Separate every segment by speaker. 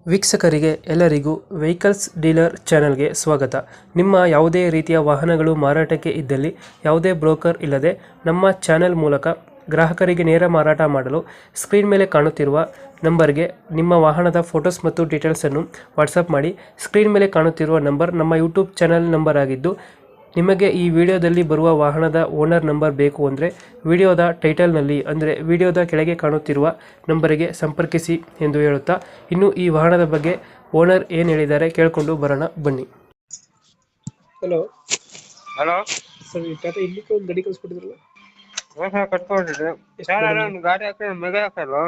Speaker 1: ವೀಕ್ಷಕರಿಗೆ ಎಲ್ಲರಿಗೂ vehicles dealer ಚಾನೆಲ್ಗೆ ಸ್ವಾಗತ. ನಿಮ್ಮ ಯಾವುದೇ ರೀತಿಯ ವಾಹನಗಳು ಮಾರಾಟಕ್ಕೆ ಇದ್ದಲ್ಲಿ ಯಾವುದೇ ಬ್ರೋಕರ್ ಇಲ್ಲದೆ ನಮ್ಮ ಚಾನೆಲ್ ಮೂಲಕ ಗ್ರಾಹಕರಿಗೆ ನೇರ ಮಾರಾಟ ಮಾಡಲು ಸ್ಕ್ರೀನ್ ಮೇಲೆ ಕಾಣುತ್ತಿರುವ ನಂಬರ್ಗೆ ನಿಮ್ಮ ವಾಹನದ ಫೋಟೋಸ್ ಮತ್ತು ಡೀಟೇಲ್ಸನ್ನು ವಾಟ್ಸಪ್ ಮಾಡಿ. ಸ್ಕ್ರೀನ್ ಮೇಲೆ ಕಾಣುತ್ತಿರುವ ನಂಬರ್ ನಮ್ಮ ಯೂಟ್ಯೂಬ್ ಚಾನೆಲ್ ನಂಬರ್ ಆಗಿದ್ದು, ನಿಮಗೆ ಈ ವಿಡಿಯೋದಲ್ಲಿ ಬರುವ ವಾಹನದ ಓನರ್ ನಂಬರ್ ಬೇಕು ಅಂದರೆ ವಿಡಿಯೋದ ಟೈಟಲ್ನಲ್ಲಿ ಅಂದರೆ ವಿಡಿಯೋದ ಕೆಳಗೆ ಕಾಣುತ್ತಿರುವ ನಂಬರಿಗೆ ಸಂಪರ್ಕಿಸಿ ಎಂದು ಹೇಳುತ್ತಾ, ಇನ್ನು ಈ ವಾಹನದ ಬಗ್ಗೆ ಓನರ್ ಏನು ಹೇಳಿದ್ದಾರೆ ಕೇಳಿಕೊಂಡು ಬರೋಣ ಬನ್ನಿ. Hello
Speaker 2: hello
Speaker 1: sir, Tata Indica ಒಂದು ಗಾಡಿ ಕಳಿಸ್ಕೊಟ್ಟಿದ್ರಲ್ಲ?
Speaker 2: Sir ಕಟ್ಕೊಂಡಿದ್ದೆ sir. ಒಂದು ಗಾಡಿ ಹಾಕಿ ಮೆಗ ಹಾಕಲ್ವ,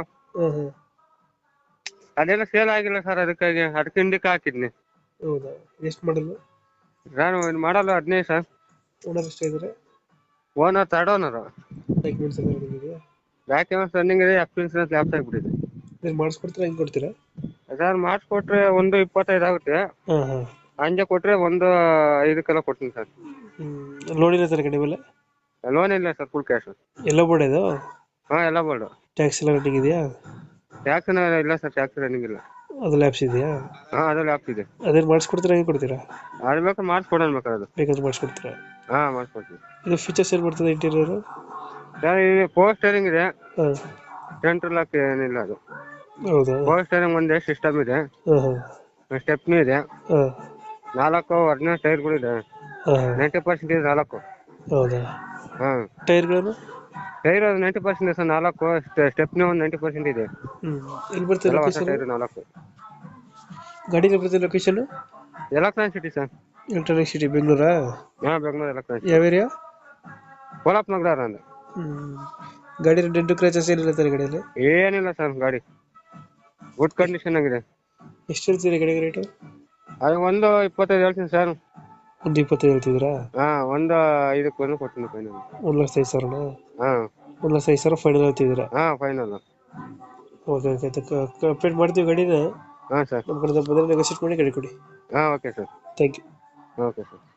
Speaker 2: ಅದೆಲ್ಲ ಸೇಲ್ ಆಗಿಲ್ಲ ಸರ್. ಅದಕ್ಕೆ ಇಂಡಿಕಾ ಹಾಕಿದ್ನಿ.
Speaker 1: ಹೌದಾ, ಎಷ್ಟು ಮಾಡಲು?
Speaker 2: ನಾನು ಮಾಡಲ್ಲ 15 ಸರ್.
Speaker 1: ಓನರ್ ಎಷ್ಟಾಗಿದ್ದಾರೆ?
Speaker 2: Owner third owner.
Speaker 1: ಡಾಕ್ಯುಮೆಂಟ್ಸ್ ಎಲ್ಲ ರೆಡಿ ಇದೆಯಾ?
Speaker 2: ಡಾಕ್ಯುಮೆಂಟ್ಸ್ ರನ್ನಿಂಗ್ ಇದೆ, ಇನ್ಸೂರೆನ್ಸ್ ಲ್ಯಾಪ್ಸ್ ಆಗಿಬಿಟ್ಟಿದೆ.
Speaker 1: ನೀವು ಮಾಡಿಸ್ಕೊಡ್ತೀರಾ, ಹೆಂಗೆ ಕೊಡ್ತೀರಾ?
Speaker 2: ಸರ್ ಮಾಡಿಸ್ಕೊಟ್ರೆ 1.25 ಆಗುತ್ತೆ. ಹಂಗೆ ಕೊಟ್ರೆ 1.5 ಕೊಡ್ತೀನಿ ಸರ್.
Speaker 1: ಲೋನ್ ಇಲ್ಲ ಸರ್ ಗಾಡಿ ಮೇಲೆ?
Speaker 2: ಲೋನ್ ಇಲ್ಲ ಸರ್, ಫುಲ್ ಕ್ಯಾಶ್.
Speaker 1: ಎಲ್ಲ ಬೋರ್ಡ್ ಇದು?
Speaker 2: ಹಾಂ, ಎಲ್ಲ ಬೋರ್ಡು.
Speaker 1: ಟ್ಯಾಕ್ಸ್ ಎಲ್ಲ ರನ್ನಿಂಗ್ ಇದೆಯಾ?
Speaker 2: ಟ್ಯಾಕ್ಸ್ ಇಲ್ಲ ಸರ್, ಟ್ಯಾಕ್ಸ್ ರನ್ನಿಂಗ್ ಇಲ್ಲ.
Speaker 1: ಅದು ಲ್ಯಾಪ್ಸ್ ಇದೆಯಾ?
Speaker 2: ಹಾಂ, ಅದು ಲ್ಯಾಪ್ಸ್ ಇದೆ.
Speaker 1: ಅದೇನು ಮಾಡಿಸ್ಕೊಡ್ತೀರಾ, ಹೆಂಗೆ ಕೊಡ್ತೀರಾ?
Speaker 2: ಅದು ಬೇಕಾದ್ರೆ ಮಾಡಿಸ್ಕೊಡೋಣ, ಬೇಕಾದ್ರೆ
Speaker 1: ಬೇಕಾದ್ರೆ ಮಾಡಿಸ್ಕೊಡ್ತೀರಾ?
Speaker 2: ಹಾಂ, ಮಾಡಿಸ್ಕೊಡ್ತೀನಿ.
Speaker 1: ಇದು ಫೀಚರ್ಸ್ ಏನು ಬರ್ತದೆ ಇಂಟೀರಿಯರು?
Speaker 2: ಸರ್ ಇದು ಪವರ್ ಸ್ಟೇರಿಂಗ್ ಇದೆ,
Speaker 1: ಹಾಂ.
Speaker 2: ಸೆಂಟ್ರಲ್ ಲಾಕ್ ಏನಿಲ್ಲ. ಅದು
Speaker 1: ಹೌದಾ?
Speaker 2: ಪವರ್ ಸ್ಟೇರಿಂಗ್ ಒಂದೇ ಸಿಸ್ಟಮ್ ಇದೆ,
Speaker 1: ಹಾಂ
Speaker 2: ಸ್ಟೆಪ್ನಿ ಇದೆ,
Speaker 1: ಹಾಂ
Speaker 2: 4 ಒರಿಜಿನಲ್ ಟೈರ್ಗಳು ಇದೆ.
Speaker 1: ಹಾಂ
Speaker 2: 90% ಇದೆ 4.
Speaker 1: ಹೌದಾ?
Speaker 2: ಹಾಂ,
Speaker 1: ಟೈರ್ಗಳನ್ನು?
Speaker 2: ಟೈರ್ 90% ಇದೆ ಸರ್. 4 ಸ್ಟೆಪ್ನಿ ಒಂದು 90% ಇದೆ.
Speaker 1: ಎಲ್ಲಿ ಬರ್ತದೆ
Speaker 2: ಎಲ್ಲ ಹೊಸ
Speaker 1: ಲೊಕೇಶನ್?
Speaker 2: ಟೈರ್ 4.
Speaker 1: ಗಾಡಿ ಬರ್ತದೆ location?
Speaker 2: Electronic city sir.
Speaker 1: Electronic city, ಬೆಂಗಳೂರಾ?
Speaker 2: ಹಾಂ, ಬೆಂಗಳೂರು ಎಲೆಕ್ಟ್ರಾನಿಕ್.
Speaker 1: ಯಾವ ಏರಿಯಾ?
Speaker 2: ಕೋಲಾಪ್ ನಗರ ಅಂದ.
Speaker 1: ಗಾಡಿ ಡೆಂಟು ಕ್ರ್ಯಾಚಸ್ ಏನಿಲ್ಲ ತಾನೆ ಗಾಡಿಯಲ್ಲಿ?
Speaker 2: ಏನಿಲ್ಲ ಸರ್, ಗಾಡಿ ಗುಡ್ ಕಂಡೀಷನ್ ಆಗಿದೆ.
Speaker 1: ಎಷ್ಟು ಹೇಳ್ತೀರಿ ಗಾಡಿಗೆ ರೇಟು?
Speaker 2: ಅದು 1.25 ಹೇಳ್ತೀನಿ ಸರ್.
Speaker 1: 1.20 ಹೇಳ್ತಿದ್ದೀರಾ?
Speaker 2: ಹಾಂ, 1.5 ಕೊಡ್ತೀನಿ ಫೈನಲ್.
Speaker 1: 1,05,000?
Speaker 2: ಹಾಂ,
Speaker 1: 1,05,000 ಫೈನಲ್ ಹೇಳ್ತಿದ್ದೀರಾ?
Speaker 2: ಹಾಂ, ಫೈನಲ್.
Speaker 1: ಓಕೆ ಓಕೆ, ಕಂಪ್ಲೀಟ್ ಮಾಡ್ತೀವಿ ಗಾಡಿನ.
Speaker 2: ಹಾಂ ಸರ್,
Speaker 1: ನಮ್ಮ ಕಡೆ ಬಂದರೆ ನೆಗೋಸಿಯೇಟ್ ಮಾಡಿ ಗಾಡಿ ಕೊಡಿ.
Speaker 2: ಹಾಂ, okay sir.
Speaker 1: Thank you.
Speaker 2: Okay sir.